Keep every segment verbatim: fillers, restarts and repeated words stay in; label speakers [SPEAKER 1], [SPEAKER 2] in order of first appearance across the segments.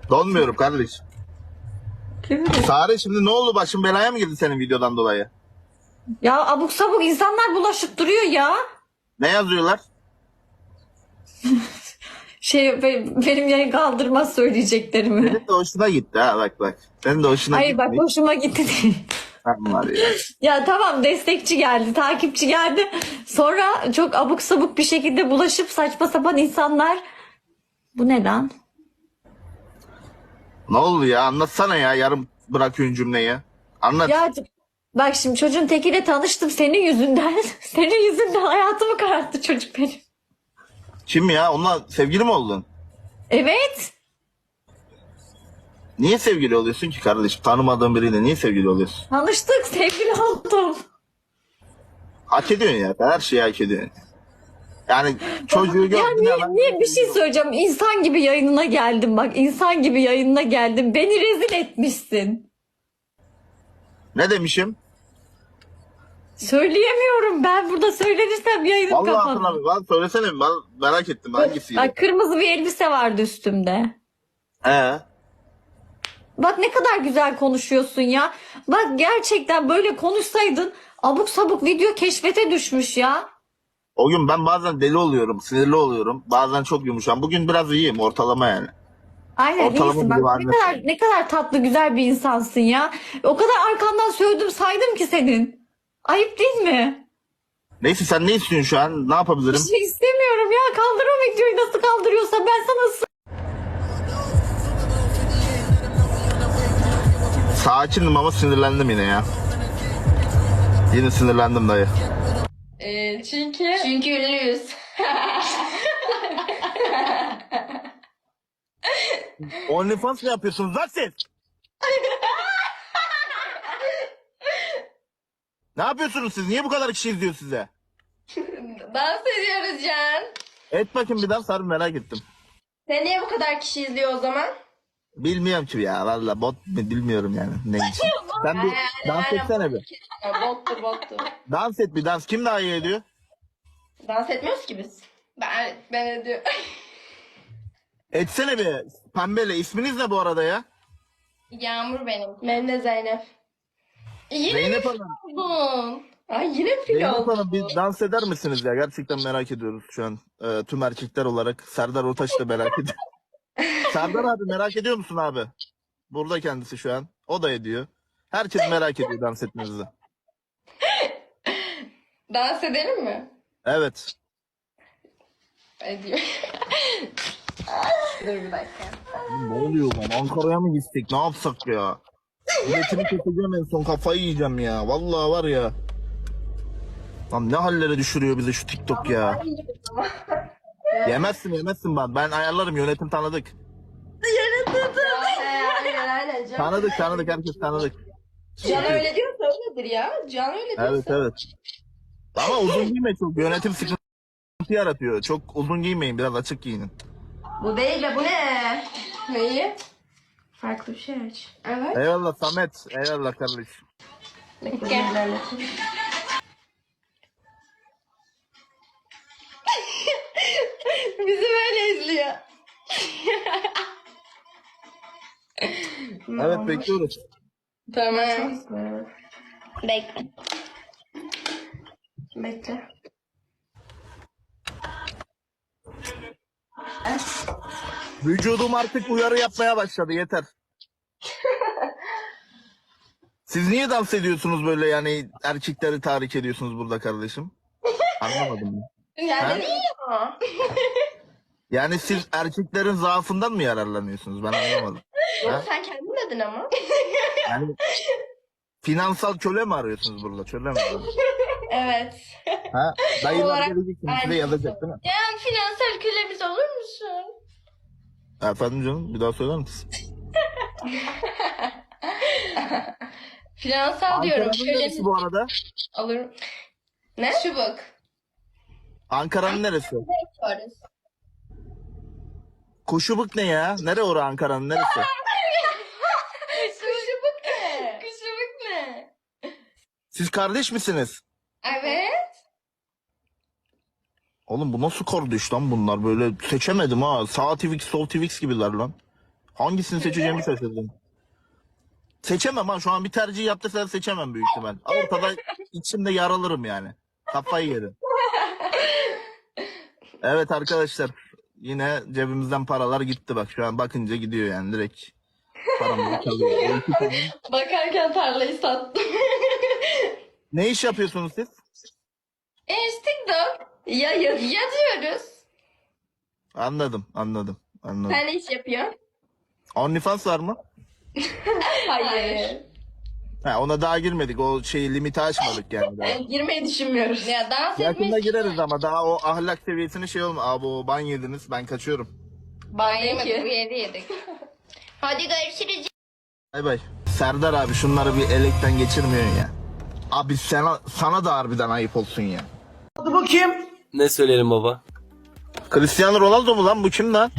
[SPEAKER 1] Donmuyorum kardeş.
[SPEAKER 2] Kim bilir?
[SPEAKER 1] Sare şimdi ne oldu, başın belaya mı girdi senin videodan dolayı?
[SPEAKER 2] Ya abuk sabuk insanlar bulaşıp duruyor ya.
[SPEAKER 1] Ne yazıyorlar?
[SPEAKER 2] Şey be- benim yayın kaldırmaz söyleyeceklerimi.
[SPEAKER 1] Senin de hoşuna gitti ha, bak bak. Senin de hoşuna
[SPEAKER 2] Hayır
[SPEAKER 1] gitti.
[SPEAKER 2] bak hoşuma gitti değil.
[SPEAKER 1] Var ya.
[SPEAKER 2] Ya tamam destekçi geldi, takipçi geldi. Sonra çok abuk sabuk bir şekilde bulaşıp saçma sapan insanlar. Bu neden?
[SPEAKER 1] Ne oldu ya, anlatsana ya, yarım bırakıyorsun cümleyi. Anlat.
[SPEAKER 2] Ya bak şimdi çocuğun tekiyle tanıştım senin yüzünden. Senin yüzünden hayatımı kararttı çocuk benim.
[SPEAKER 1] Kim ya, onunla sevgili mi oldun?
[SPEAKER 2] Evet.
[SPEAKER 1] Niye sevgili oluyorsun ki kardeşim? Tanımadığın biriyle niye sevgili oluyorsun?
[SPEAKER 2] Tanıştık, sevgili oldum.
[SPEAKER 1] Hak ediyorsun ya, her şeyi hak ediyorsun. Yani çocuğu
[SPEAKER 2] Ya
[SPEAKER 1] gördün
[SPEAKER 2] niye,
[SPEAKER 1] ya ben...
[SPEAKER 2] niye bir şey söyleyeceğim. İnsan gibi yayınına geldim bak. İnsan gibi yayınına geldim. Beni rezil etmişsin.
[SPEAKER 1] Ne demişim?
[SPEAKER 2] Söyleyemiyorum ben. Burada söylenirsem yayınım
[SPEAKER 1] Vallahi
[SPEAKER 2] kapanır.
[SPEAKER 1] hatırlamıyorum. Bana söylesene, ben merak ettim hangisiydi?
[SPEAKER 2] Bak kırmızı bir elbise vardı üstümde.
[SPEAKER 1] He.
[SPEAKER 2] Bak ne kadar güzel konuşuyorsun ya. Bak gerçekten böyle konuşsaydın abuk sabuk video keşfete düşmüş ya.
[SPEAKER 1] O gün ben bazen deli oluyorum, sinirli oluyorum. Bazen çok yumuşam. Bugün biraz iyiyim, ortalama yani.
[SPEAKER 2] Aynen
[SPEAKER 1] Ortalama
[SPEAKER 2] iyisin.
[SPEAKER 1] bir
[SPEAKER 2] Bak ne
[SPEAKER 1] varlık.
[SPEAKER 2] kadar ne kadar tatlı güzel bir insansın ya. O kadar arkandan sövdüm saydım ki senin. Ayıp değil mi?
[SPEAKER 1] Neyse, sen ne istiyorsun şu an? Ne
[SPEAKER 2] Bir
[SPEAKER 1] yapabilirim?
[SPEAKER 2] şey istemiyorum ya. Kaldır o videoyu nasıl kaldırıyorsa ben sana ısı-
[SPEAKER 1] Sakinim ama sinirlendim yine ya. Yine sinirlendim dayı.
[SPEAKER 3] Ee, çünkü... Çünkü ünlüyüz.
[SPEAKER 1] OnlyFans mı yapıyorsunuz lan siz? Ne yapıyorsunuz siz? Niye bu kadar kişi izliyor size?
[SPEAKER 3] Dans ediyoruz Can.
[SPEAKER 1] Et bakayım bir daha, sarı merak ettim.
[SPEAKER 3] Sen niye bu kadar kişi izliyor o zaman?
[SPEAKER 1] Bilmiyorum ki ya, valla bot mu bilmiyorum yani ne için. Sen bir dans etsene bir.
[SPEAKER 3] Ya, bottur bottur.
[SPEAKER 1] Dans et bir dans. Kim daha iyi ediyor?
[SPEAKER 3] Dans etmiyoruz ki biz. Ben, ben ediyorum.
[SPEAKER 1] Etsene bir. Pembeyle. İsminiz ne bu arada ya?
[SPEAKER 3] Yağmur benim. Benim de Zeynep. Yine
[SPEAKER 1] Zeynep
[SPEAKER 3] mi
[SPEAKER 1] Hanım.
[SPEAKER 3] oldun? Ay yine fil
[SPEAKER 1] Zeynep
[SPEAKER 3] oldun.
[SPEAKER 1] Hanım bir dans eder misiniz ya? Gerçekten merak ediyoruz şu an. Ee, tüm erkekler olarak. Serdar Ortaç da merak ediyor. Serdar abi merak ediyor musun abi? Burada kendisi şu an. O da ediyor. Herkes merak ediyor dans etmenizi.
[SPEAKER 3] Dans edelim mi?
[SPEAKER 1] Evet.
[SPEAKER 3] Ediyor. Dur bir dakika.
[SPEAKER 1] Ne oluyor lan? Ankara'ya mı gitsek? Ne yapsak ya? Biletini keseceğim en son, kafayı yiyeceğim ya. Vallahi var ya. Lan ne hallere düşürüyor bizi şu TikTok ya. Yemezsin yemezsin ben. Ben ayarlarım, yönetim tanıdık.
[SPEAKER 3] Aynen aynen Can.
[SPEAKER 1] Tanıdık tanıdık, herkes tanıdık.
[SPEAKER 3] Can öyle diyorsa öyledir ya. Can öyle diyorsa.
[SPEAKER 1] Evet evet. Ama uzun giyme çok. Yönetim sıkıntı yaratıyor. Çok uzun giymeyin, biraz açık giyinin.
[SPEAKER 3] Bu değil de bu ne? Neyi? Farklı bir şey aç. Evet.
[SPEAKER 1] Eyvallah Samet. Eyvallah kardeşim.
[SPEAKER 3] Gel. Bizi böyle izliyor.
[SPEAKER 1] Evet bekliyoruz.
[SPEAKER 3] Tamam. Bekle. Bekle.
[SPEAKER 1] Vücudum artık uyarı yapmaya başladı, yeter. Siz niye dans ediyorsunuz böyle, yani erkekleri tahrik ediyorsunuz burada kardeşim? Anlamadım ben.
[SPEAKER 3] Yani iyi ama.
[SPEAKER 1] Yani siz erkeklerin zaafından mı yararlanıyorsunuz? Ben anlamadım.
[SPEAKER 3] Yok
[SPEAKER 1] Ha?
[SPEAKER 3] sen kendin dedin ama.
[SPEAKER 1] Yani finansal köle mi arıyorsunuz burada? Köle mi arıyorsunuz?
[SPEAKER 3] Evet.
[SPEAKER 1] Ha? Dayılar
[SPEAKER 3] Olarak-
[SPEAKER 1] gelecek şimdi size
[SPEAKER 3] Aynen.
[SPEAKER 1] yazacak değil mi?
[SPEAKER 3] Ya finansal kölemiz olur musun?
[SPEAKER 1] Efendim canım, bir daha söyler misin?
[SPEAKER 3] Finansal diyorum.
[SPEAKER 1] Ankara'nın
[SPEAKER 3] Kölemiz
[SPEAKER 1] neresi bu arada?
[SPEAKER 3] alırım. Ne? Çubuk.
[SPEAKER 1] Ankara'nın neresi?
[SPEAKER 3] Varız.
[SPEAKER 1] Kuşubuk ne ya? Nere ora Ankara'nın neresi?
[SPEAKER 3] Kuşubuk ne? Kuşubuk ne?
[SPEAKER 1] Siz kardeş misiniz?
[SPEAKER 3] Evet.
[SPEAKER 1] Oğlum bu nasıl kardeş lan bunlar, böyle seçemedim ha. Sağ Twix, sol Twix gibiler lan. Hangisini seçeceğimi şaşırdım. Seçemem ha, şu an bir tercih yaptıysa seçemem büyük ihtimal. Ortada içimde yaralırım yani. Kafayı yerim. Evet arkadaşlar, yine cebimizden paralar gitti bak, şu an bakınca gidiyor yani direkt. Paramızı çalıyor.
[SPEAKER 3] Bakarken tarlayı sattım.
[SPEAKER 1] Ne iş yapıyorsunuz siz?
[SPEAKER 3] Instagram. Ya, ya yazıyoruz.
[SPEAKER 1] Anladım, anladım, anladım.
[SPEAKER 3] Sen ne iş yapıyorsun?
[SPEAKER 1] OnlyFans var mı?
[SPEAKER 3] Hayır.
[SPEAKER 1] Ha, ona daha girmedik. O şeyi limiti aşmadık yani. Daha.
[SPEAKER 3] Yani girmeyi düşünmüyoruz. Ya dans
[SPEAKER 1] Yakında
[SPEAKER 3] etmek
[SPEAKER 1] gireriz ama daha o ahlak seviyesini şey olma. Abi o ban yediniz, ben kaçıyorum.
[SPEAKER 3] banyo ki. Bu yedi yedik. Hadi görüşürüz.
[SPEAKER 1] Bay bay. Serdar abi, şunları bir elekten geçirmiyorsun ya. Abi sana, sana da harbiden ayıp olsun ya.
[SPEAKER 4] Hadi bakayım.
[SPEAKER 5] Ne söyleyelim baba?
[SPEAKER 1] Cristiano Ronaldo mu lan bu, kim lan?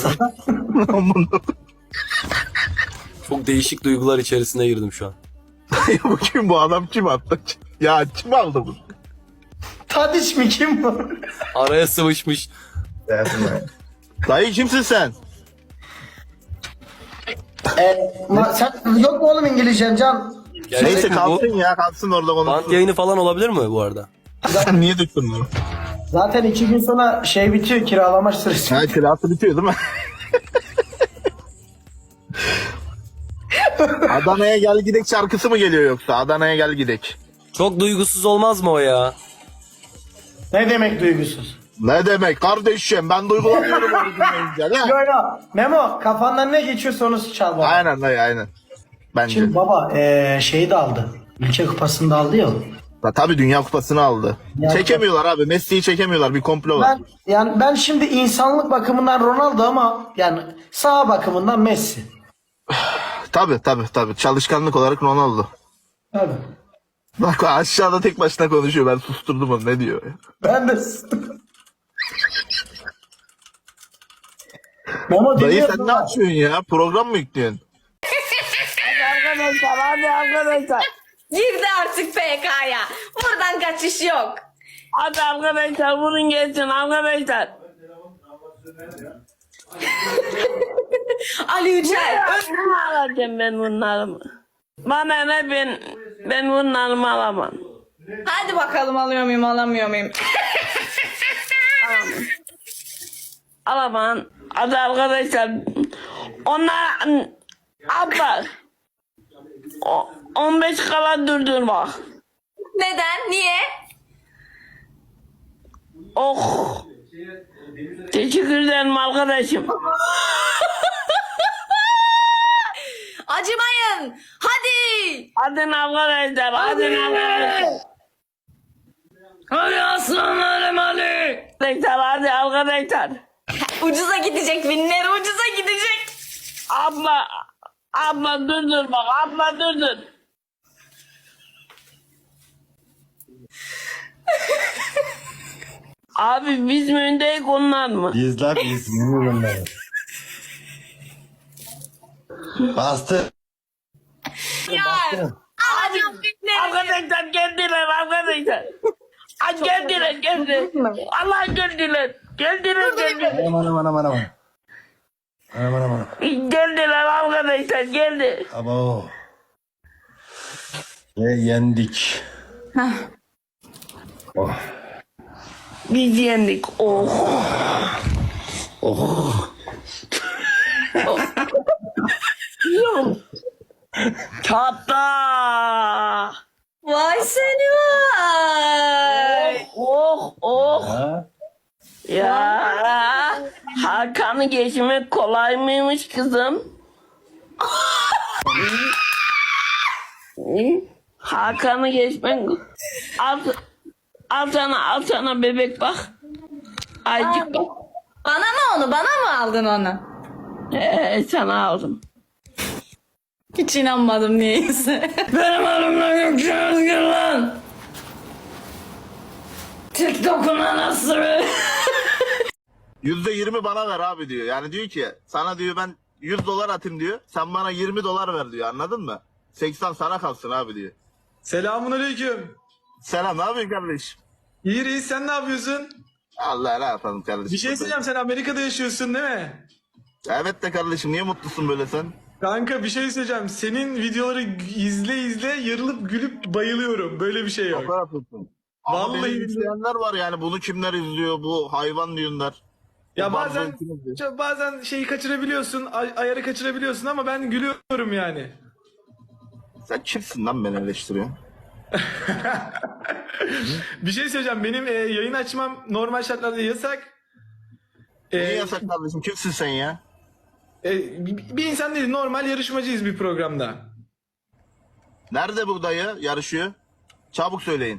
[SPEAKER 5] Çok değişik duygular içerisine girdim şu an.
[SPEAKER 1] Bu kim, bu adam kim attı? Ya kim aldı bunu?
[SPEAKER 4] Tadiç mi kim bu?
[SPEAKER 5] Araya sıvışmış.
[SPEAKER 1] Dayı kimsin sen?
[SPEAKER 4] e, ma- sen yok mu oğlum İngilizcen Can?
[SPEAKER 5] Gerçek
[SPEAKER 1] Neyse
[SPEAKER 5] mi
[SPEAKER 1] kalsın
[SPEAKER 5] bu?
[SPEAKER 1] ya, kalsın orada
[SPEAKER 5] Bant
[SPEAKER 1] konuşsun.
[SPEAKER 5] yayını falan olabilir mi bu arada?
[SPEAKER 1] Sen niye döktün bunu?
[SPEAKER 4] Zaten iki gün sonra şey bitiyor, kiralama süresi.
[SPEAKER 1] Ha, kirası bitiyor değil mi? Adana'ya gel gidek şarkısı mı geliyor yoksa? Adana'ya gel gidek.
[SPEAKER 5] Çok duygusuz olmaz mı o ya?
[SPEAKER 4] Ne demek duygusuz?
[SPEAKER 1] Ne demek kardeşim, ben duygulanıyorum onu dinleyince.
[SPEAKER 4] Yo yo. Memo kafandan ne geçiyorsa onu çal baba.
[SPEAKER 1] Aynen dayı, aynen. Bence.
[SPEAKER 4] Şimdi baba e, şeyi de aldı. Ülke kupasını da aldı ya. o.
[SPEAKER 1] Ha, tabii Dünya Kupası'nı aldı.
[SPEAKER 4] Ya-
[SPEAKER 1] Çekemiyorlar abi. Messi'yi çekemiyorlar. Bir komplo var.
[SPEAKER 4] Ben yani ben şimdi insanlık bakımından Ronaldo ama yani sağ bakımından Messi.
[SPEAKER 1] Tabii tabii tabii. Çalışkanlık olarak Ronaldo.
[SPEAKER 4] Tabii.
[SPEAKER 1] Bak aşağıda tek başına konuşuyor. Ben susturdum onu. Ne diyor ya?
[SPEAKER 4] Ben de Memo
[SPEAKER 1] Dayı
[SPEAKER 4] dinliyorum
[SPEAKER 1] sen ne
[SPEAKER 4] ama.
[SPEAKER 1] yapıyorsun ya? Program mı yüklüyorsun?
[SPEAKER 6] Arkadaşlar hadi arkadaşlar.
[SPEAKER 2] Girdi artık P K'ya. Buradan kaçış yok.
[SPEAKER 6] Hadi arkadaşlar vurun gelsin arkadaşlar.
[SPEAKER 2] Ali Yücel.
[SPEAKER 6] Ne alacağım ben bunlarımı? Bana ne, ben ben bunlarımı alamam.
[SPEAKER 2] Hadi bakalım alıyor muyum alamıyor muyum?
[SPEAKER 6] Alamam. Hadi arkadaşlar. Onlar abla. O, on beş kala durdur bak.
[SPEAKER 2] Neden? Niye?
[SPEAKER 6] Oh. Teşekkür ederim arkadaşım.
[SPEAKER 2] Acımayın. Hadi.
[SPEAKER 6] Hadi arkadaşlar. Hadi arkadaşlar.
[SPEAKER 2] Hadi aslanlarım hadi.
[SPEAKER 6] Arkadaşlar hadi arkadaşlar.
[SPEAKER 2] Ucuza gidecek binler ucuza gidecek.
[SPEAKER 6] Abla. Abla dur dur bak. Abla dur dur. Abi biz mi öndeyiz onlar mı?
[SPEAKER 7] İzler izliyorum ben. Bastı.
[SPEAKER 2] Alacağım binleri.
[SPEAKER 6] Arkadaşlar geldiler arkadaşlar. Ay geldiler geldiler. Allah geldiler. Geldiler geldiler.
[SPEAKER 7] Aman aman aman aman. Aman aman.
[SPEAKER 6] Geldiler arkadaşlar geldi.
[SPEAKER 7] Abo. Ve yendik. Oh.
[SPEAKER 6] Biz yendik. Oh.
[SPEAKER 7] Oh.
[SPEAKER 6] Yok. Çatla.
[SPEAKER 2] Vay seni vay.
[SPEAKER 6] Oh oh.
[SPEAKER 7] Ha?
[SPEAKER 6] Ya. Hakan'ı geçmek kolay mıymış kızım? Hakan'ı geçmek al, al sana al sana bebek bak. Azıcık bak.
[SPEAKER 2] Bana mı onu? Bana mı aldın onu?
[SPEAKER 6] Ee, sana aldım.
[SPEAKER 2] Hiç inanmadım niyeyse. Benim adım Gökçe Özgür lan. TikTok'un anası.
[SPEAKER 1] yüzde yirmi bana ver abi diyor. Yani diyor ki sana diyor ben yüz dolar atayım diyor. Sen bana yirmi dolar ver diyor. Anladın mı? seksen sana kalsın abi diyor.
[SPEAKER 8] Selamun aleyküm.
[SPEAKER 1] Selam, ne yapıyorsun kardeşim?
[SPEAKER 8] İyi reis, sen ne yapıyorsun?
[SPEAKER 1] Allah ne yapalım kardeşim.
[SPEAKER 8] Bir şey söyleyeceğim, sen Amerika'da yaşıyorsun değil mi?
[SPEAKER 1] Evet de kardeşim niye mutlusun böyle sen?
[SPEAKER 8] Kanka bir şey söyleyeceğim. Senin videoları izle izle yarılıp gülüp bayılıyorum. Böyle bir şey yok.
[SPEAKER 1] Şaka yapıyorsun. Ama
[SPEAKER 8] Vallahi
[SPEAKER 1] beni
[SPEAKER 8] billahi.
[SPEAKER 1] izleyenler var yani bunu kimler izliyor bu hayvan diyorlar.
[SPEAKER 8] Ya
[SPEAKER 1] Bu
[SPEAKER 8] bazen
[SPEAKER 1] bazen izliyor.
[SPEAKER 8] bazen şeyi kaçırabiliyorsun, ay- ayarı kaçırabiliyorsun ama ben gülüyorum yani.
[SPEAKER 1] Sen kimsin lan beni eleştiriyorsun?
[SPEAKER 8] Bir şey söyleyeceğim. Benim e, yayın açmam normal şartlarda yasak. E,
[SPEAKER 1] Niye yasak kardeşim? Kimsin sen ya?
[SPEAKER 8] e, bir bir insan değil, normal yarışmacıyız bir programda.
[SPEAKER 1] Nerede bu dayı yarışıyor? Çabuk söyleyin.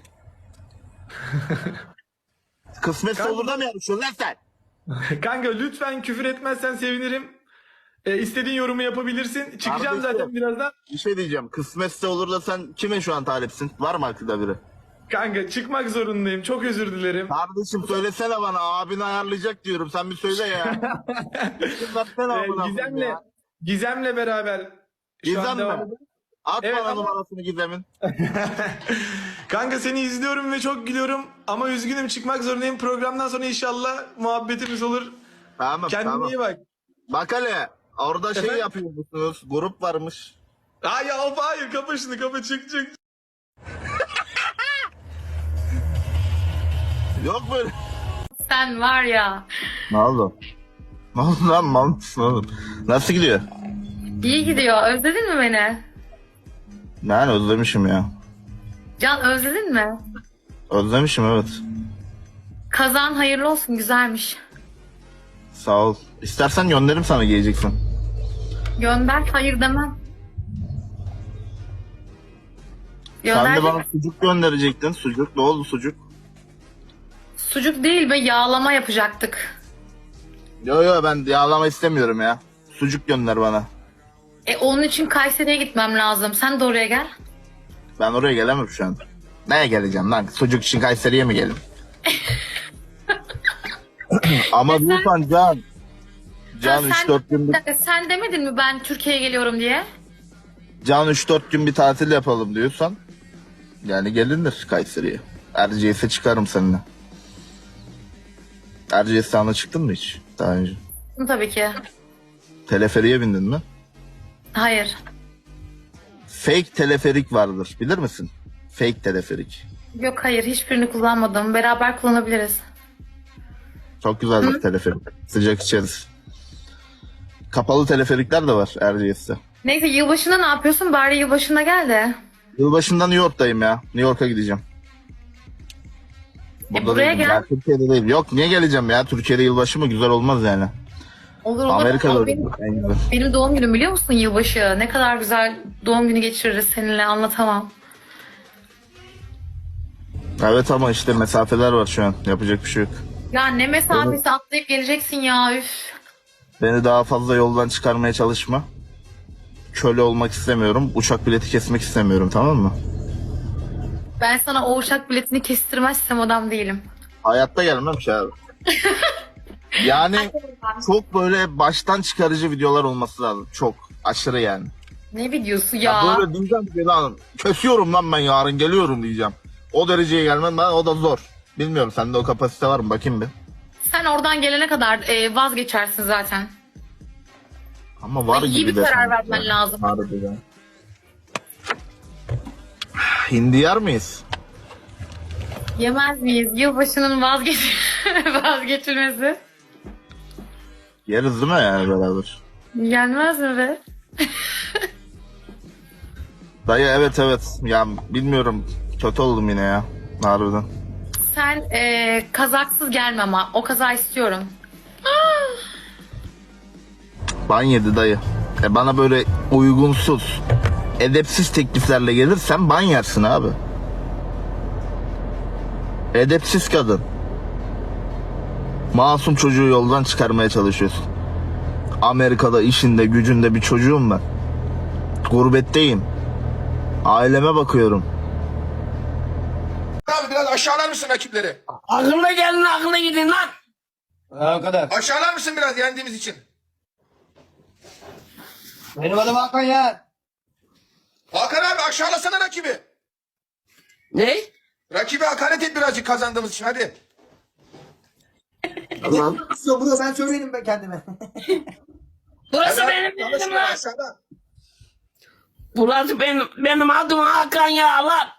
[SPEAKER 1] Kısmetse
[SPEAKER 8] Kanka-
[SPEAKER 1] olur da mı yarışıyorsun lan sen?
[SPEAKER 8] Kanka lütfen küfür etmezsen sevinirim. E, istediğin yorumu yapabilirsin. Çıkacağım
[SPEAKER 1] Kardeşim.
[SPEAKER 8] zaten birazdan.
[SPEAKER 1] Bir şey diyeceğim. Kısmetse olur da sen kime şu an talipsin? Var mı aklında biri?
[SPEAKER 8] Kanka çıkmak zorundayım. Çok özür dilerim.
[SPEAKER 1] Kardeşim söylesene bana. Abin ayarlayacak diyorum. Sen bir söyle ya. Versene
[SPEAKER 8] E,
[SPEAKER 1] amına koyayım
[SPEAKER 8] Gizem'le
[SPEAKER 1] ya.
[SPEAKER 8] Gizem'le beraber şu an
[SPEAKER 1] Gizem
[SPEAKER 8] devam
[SPEAKER 1] mi?
[SPEAKER 8] ediyoruz.
[SPEAKER 1] At
[SPEAKER 8] Evet,
[SPEAKER 1] bana
[SPEAKER 8] ama-
[SPEAKER 1] numarasını Gizem'in.
[SPEAKER 8] Kanka seni izliyorum ve çok gülüyorum ama üzgünüm, çıkmak zorundayım. Programdan sonra inşallah muhabbetimiz olur.
[SPEAKER 1] Tamam
[SPEAKER 8] Kendine
[SPEAKER 1] tamam.
[SPEAKER 8] iyi bak.
[SPEAKER 1] Bak hele. Orada şey
[SPEAKER 8] Efendim?
[SPEAKER 1] yapıyormuşsunuz. Grup varmış.
[SPEAKER 8] Ay ya of, hayır, kapa şunu, kapa, çık çık.
[SPEAKER 1] Yok böyle.
[SPEAKER 2] Sen var ya.
[SPEAKER 1] Ne oldu? Ne oldu lan mal mısın oğlum? Nasıl gidiyor?
[SPEAKER 2] İyi gidiyor. Özledin mi beni?
[SPEAKER 1] Ben özlemişim ya.
[SPEAKER 2] Can özledin mi?
[SPEAKER 1] Özlemişim evet.
[SPEAKER 2] Kazan hayırlı olsun, güzelmiş.
[SPEAKER 1] Sağ ol. İstersen gönderirim sana giyeceksin.
[SPEAKER 2] Gönder, hayır demem.
[SPEAKER 1] Sen de
[SPEAKER 2] Gönder.
[SPEAKER 1] bana sucuk gönderecektin. Sucuk ne oldu sucuk?
[SPEAKER 2] Sucuk değil be, yağlama yapacaktık.
[SPEAKER 1] Yo yo ben yağlama istemiyorum ya. Sucuk gönder bana.
[SPEAKER 2] E onun için Kayseri'ye gitmem lazım. Sen de oraya gel.
[SPEAKER 1] Ben oraya gelemem şu an. Neye geleceğim lan? Sucuk için Kayseri'ye mi gelin? Ama lütfen Can. Can
[SPEAKER 2] Ha,
[SPEAKER 1] üç
[SPEAKER 2] sen,
[SPEAKER 1] dört gün
[SPEAKER 2] bir
[SPEAKER 1] bir,
[SPEAKER 2] dakika, sen demedin mi ben Türkiye'ye geliyorum diye?
[SPEAKER 1] Can üç dört gün bir tatil yapalım diyorsan yani gelinir Kayseri'ye. Erciyes'e çıkarım seninle. Erciyes'e çıktın mı hiç daha önce?
[SPEAKER 2] Tabii ki.
[SPEAKER 1] Teleferiye bindin mi?
[SPEAKER 2] Hayır.
[SPEAKER 1] Fake teleferik vardır. Bilir misin? Fake teleferik.
[SPEAKER 2] Yok hayır, hiçbirini kullanmadım. Beraber kullanabiliriz.
[SPEAKER 1] Çok güzeldir teleferik. Sıcak içeriz. Kapalı teleferikler de var Erciyes'te.
[SPEAKER 2] Neyse, yılbaşında ne yapıyorsun? Bari yılbaşında gel de.
[SPEAKER 1] Yılbaşında New York'tayım ya. New York'a gideceğim.
[SPEAKER 2] E, buraya
[SPEAKER 1] değilim
[SPEAKER 2] gel.
[SPEAKER 1] ya, Türkiye'de değil. Yok niye geleceğim ya? Türkiye'de yılbaşı mı? Güzel olmaz yani.
[SPEAKER 2] Olur olur.
[SPEAKER 1] Amerika'da
[SPEAKER 2] Ama
[SPEAKER 1] olur.
[SPEAKER 2] benim,
[SPEAKER 1] En güzel.
[SPEAKER 2] benim doğum günüm biliyor musun yılbaşı? Ne kadar güzel doğum günü geçiririz seninle, anlatamam.
[SPEAKER 1] Evet ama işte mesafeler var şu an. Yapacak bir şey yok.
[SPEAKER 2] Ya ne mesafesi, atlayıp geleceksin ya, üf.
[SPEAKER 1] Beni daha fazla yoldan çıkarmaya çalışma. Köle olmak istemiyorum. Uçak bileti kesmek istemiyorum, tamam mı?
[SPEAKER 2] Ben sana o uçak biletini kestirmezsem adam değilim.
[SPEAKER 1] Hayatta gelmem ki abi. Yani çok böyle baştan çıkarıcı videolar olması lazım. Çok. Aşırı yani.
[SPEAKER 2] Ne videosu
[SPEAKER 1] Ya,
[SPEAKER 2] ya?
[SPEAKER 1] böyle diyeceğim ki lan kesiyorum lan ben yarın geliyorum diyeceğim. O dereceye gelmem ben, o da zor. Bilmiyorum sende o kapasite var mı bakayım bir.
[SPEAKER 2] Sen oradan gelene kadar e, vazgeçersin zaten.
[SPEAKER 1] Ama var
[SPEAKER 2] İyi
[SPEAKER 1] gibi
[SPEAKER 2] bir
[SPEAKER 1] de
[SPEAKER 2] karar
[SPEAKER 1] sanki
[SPEAKER 2] vermen
[SPEAKER 1] ya.
[SPEAKER 2] lazım.
[SPEAKER 1] Harbiden. Hindi yer miyiz?
[SPEAKER 2] Yemez miyiz? Yılbaşının vazgeç vazgeçilmesi.
[SPEAKER 1] Yeriz değil mi yani beraber?
[SPEAKER 2] Gelmez mi be?
[SPEAKER 1] Dayı evet evet. Ya bilmiyorum. Kötü oldum yine ya. Harbiden.
[SPEAKER 2] Sen e, kazaksız gelme ama. O kaza istiyorum.
[SPEAKER 1] Ban yedi dayı. E bana böyle uygunsuz, edepsiz tekliflerle gelirsen ban yersin abi. Edepsiz kadın. Masum çocuğu yoldan çıkarmaya çalışıyorsun. Amerika'da işinde gücünde bir çocuğum ben. Gurbetteyim. Aileme bakıyorum.
[SPEAKER 9] Abi biraz aşağılar mısın rakipleri?
[SPEAKER 6] Aklına gelin, aklına gidin lan.
[SPEAKER 7] Ha, o kadar.
[SPEAKER 9] Aşağılar mısın biraz yendiğimiz için?
[SPEAKER 7] Benim adım Hakan ya.
[SPEAKER 9] Hakan abi aşağılasana rakibi.
[SPEAKER 6] Ne?
[SPEAKER 9] Rakibi hakaret et birazcık kazandığımız için hadi.
[SPEAKER 6] Tamam.
[SPEAKER 7] Bunu ben söylerim ben kendime.
[SPEAKER 6] Burası
[SPEAKER 9] Hadi
[SPEAKER 6] benim
[SPEAKER 9] abi,
[SPEAKER 6] yerim
[SPEAKER 9] çalışma
[SPEAKER 6] lan.
[SPEAKER 9] aşağıda.
[SPEAKER 6] Burası benim, benim adım Hakan ya lan.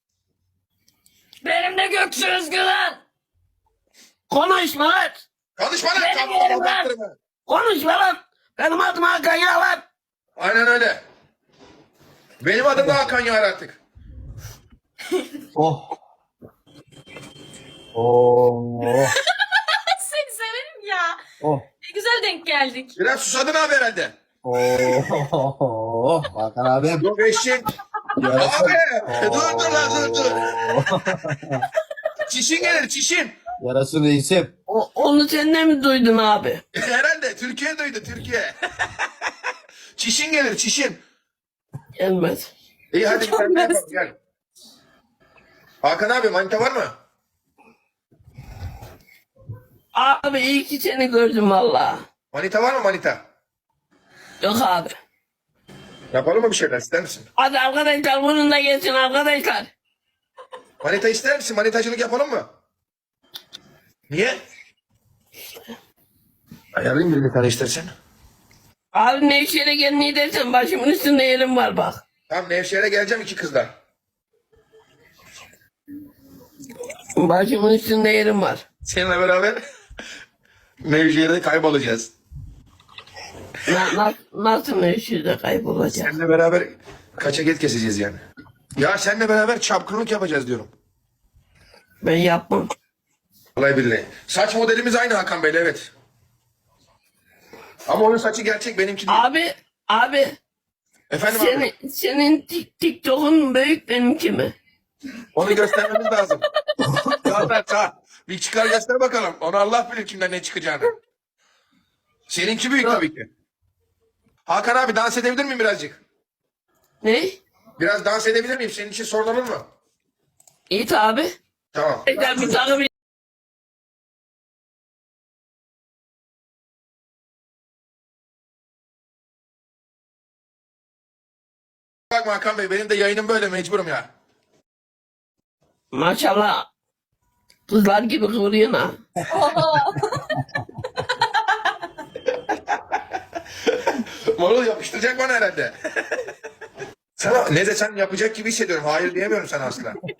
[SPEAKER 6] Benim de Göksu Özgülen. Konuşma lan.
[SPEAKER 9] Konuşma lan.
[SPEAKER 6] Benim
[SPEAKER 9] Tamam,
[SPEAKER 6] yerim lan.
[SPEAKER 9] baktırma.
[SPEAKER 6] Konuşma lan. Benim adım Hakan ya lan.
[SPEAKER 9] Aynen öyle. Benim adım da Hakan Yar artık.
[SPEAKER 7] Oh. Oh.
[SPEAKER 2] Seni severim ya.
[SPEAKER 7] Oh.
[SPEAKER 2] Ne güzel denk geldik.
[SPEAKER 9] Biraz susadın abi herhalde.
[SPEAKER 7] Oh. Hakan abim.
[SPEAKER 9] Yok eşek.
[SPEAKER 7] Yarasın.
[SPEAKER 9] Abi dur dur lan dur dur. Çişin gelir çişin.
[SPEAKER 7] Yarasın reisim.
[SPEAKER 6] O, onu sen de mi duydun abi?
[SPEAKER 9] Herhalde Türkiye duydu Türkiye. Çişin gelir çişin.
[SPEAKER 6] Gelmez.
[SPEAKER 9] İyi hadi bir tane yapalım gel. Hakan abi manita var mı?
[SPEAKER 6] Abi iyi ki seni gördüm valla.
[SPEAKER 9] Manita var mı manita?
[SPEAKER 6] Yok abi.
[SPEAKER 9] Yapalım mı bir şeyler ister misin?
[SPEAKER 6] Hadi arkadaşlar bunun da gelsin arkadaşlar.
[SPEAKER 9] Manita ister misin? Manitacılık yapalım mı? Niye? Ayarlayayım birini tane istersen.
[SPEAKER 6] Abi Nevşehir'e gel ne dersen başımın üstünde yerim var bak.
[SPEAKER 9] Tamam Nevşehir'e geleceğim iki kızla.
[SPEAKER 6] Başımın üstünde yerim var.
[SPEAKER 9] Seninle beraber Nevşehir'de kaybolacağız.
[SPEAKER 6] Na, na, nasıl Nevşehir'de kaybolacak?
[SPEAKER 9] Seninle beraber kaçaget keseceğiz yani. Ya seninle beraber çapkınlık yapacağız diyorum.
[SPEAKER 6] Ben yapmam.
[SPEAKER 9] Vallahi billahi. Saç modelimiz aynı Hakan Bey'le evet. Ama onun saçı gerçek benimki değil.
[SPEAKER 6] Abi, abi
[SPEAKER 9] Efendim abi.
[SPEAKER 6] senin, senin tik- TikTok'un büyük benimki mi?
[SPEAKER 9] Onu göstermemiz lazım. Gönder sağ. Bir çıkar göster bakalım. Onu Allah bilir kimden ne çıkacağını. Seninki büyük tabii ki. Hakan abi dans edebilir miyim birazcık?
[SPEAKER 6] Ne?
[SPEAKER 9] Biraz dans edebilir miyim? Senin için sorun olur mu?
[SPEAKER 6] İyi abi.
[SPEAKER 9] Tamam.
[SPEAKER 6] Tekrar bir tane bir...
[SPEAKER 9] Bakma Hakan Bey benim de yayınım böyle mecburum ya.
[SPEAKER 6] Maşallah. Kızlar gibi kıvırıyorsun ha.
[SPEAKER 9] Marul yapıştıracak bana herhalde. Sana ne desem yapacak gibi hissediyorum. Hayır diyemiyorum sana asla.